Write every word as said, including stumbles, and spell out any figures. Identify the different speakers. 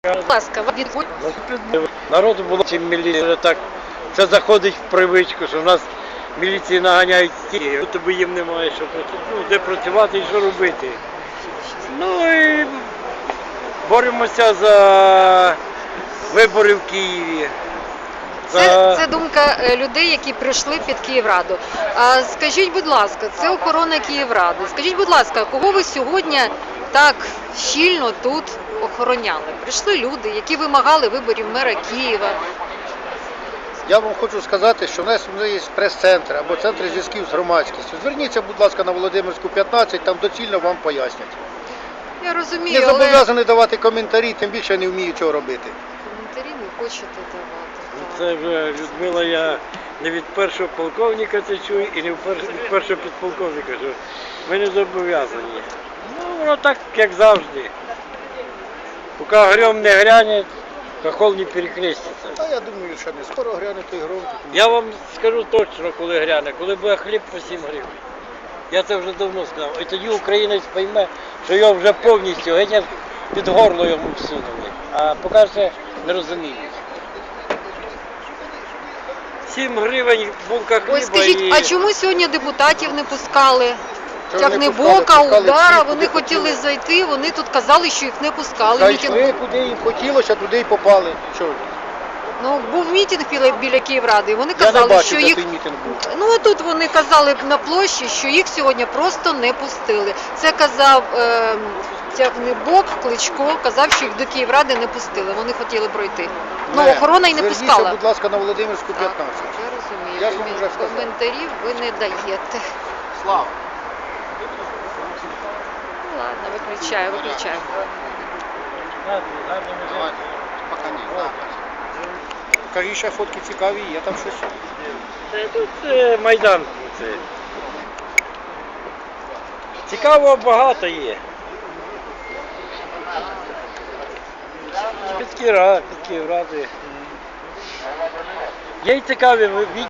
Speaker 1: Будь ласка, від...
Speaker 2: Народу було чим міліція вже так. Це заходить в привичку, що в нас міліції наганяють стільки, тобі їм немає що ну, де працювати і що робити. Ну і боремося за вибори в Києві.
Speaker 1: Це, це думка людей, які прийшли під Київраду. А скажіть, будь ласка, це охорона Київради. Скажіть, будь ласка, кого ви сьогодні так щільно тут охороняли? Прийшли люди, які вимагали виборів мера Києва.
Speaker 3: Я вам хочу сказати, що в нас є прес-центр або центр зв'язків з громадськістю. Зверніться, будь ласка, на Володимирську, п'ятнадцять, там доцільно вам пояснять.
Speaker 1: Я розумію,
Speaker 3: Не
Speaker 1: але
Speaker 3: зобов'язані давати коментарі, тим більше не вмію цього робити.
Speaker 1: коментарі не хочете давати.
Speaker 2: Це вже, Людмила, я не від першого полковника це чую і не від першого підполковника, що ми не зобов'язані. Ну, воно так, як завжди. Поки гром не гряне, хохол не перекреститься.
Speaker 3: А я думаю, що не скоро гряне той гром.
Speaker 2: Я вам скажу точно, коли гряне, коли буде хліб по сім гривень. Я це вже давно сказав. І тоді українець пойме, що його вже повністю геть під горло йому всунули. А поки ще не розуміють. сім гривень булка хліба.
Speaker 1: Ось скажіть,
Speaker 2: і...
Speaker 1: а чому сьогодні депутатів не пускали?
Speaker 3: Чого не
Speaker 1: Тягнебока,
Speaker 3: пускали? Пускали
Speaker 1: Удара,
Speaker 3: всіх,
Speaker 1: вони
Speaker 3: куди
Speaker 1: хотіли
Speaker 3: хотіли.
Speaker 1: зайти, вони тут казали, що їх не пускали. Мітинг...
Speaker 3: Зайшли, куди їм хотілося, туди й попали. Чого?
Speaker 1: Ну, був мітинг біля, біля Київради, і вони
Speaker 3: Я не
Speaker 1: казали,
Speaker 3: бачив,
Speaker 1: що
Speaker 3: де
Speaker 1: їх...
Speaker 3: той мітинг був.
Speaker 1: Ну, тут вони казали на площі, що їх сьогодні просто не пустили. Це казав е, Тягнебок, Кличко, казав, що їх до Київради не пустили, вони хотіли пройти. Ну,
Speaker 3: Не.
Speaker 1: охорона й не
Speaker 3: Зверніться,
Speaker 1: пускала.
Speaker 3: будь ласка, на Володимирську,
Speaker 1: Так,
Speaker 3: п'ятнадцять.
Speaker 1: я розумію,
Speaker 3: Я ж вам вже
Speaker 1: Комін-
Speaker 3: сказав.
Speaker 1: коментарів ви не даєте.
Speaker 3: Слава.
Speaker 1: Ну, ладно, виключаю, виключаю.
Speaker 3: Пока ні. Кажи, ще фотки цікаві, є там щось.
Speaker 2: Це тут е, Майдан. Це. Цікавого багато є. Під Київради, під Київради. Є й цікаві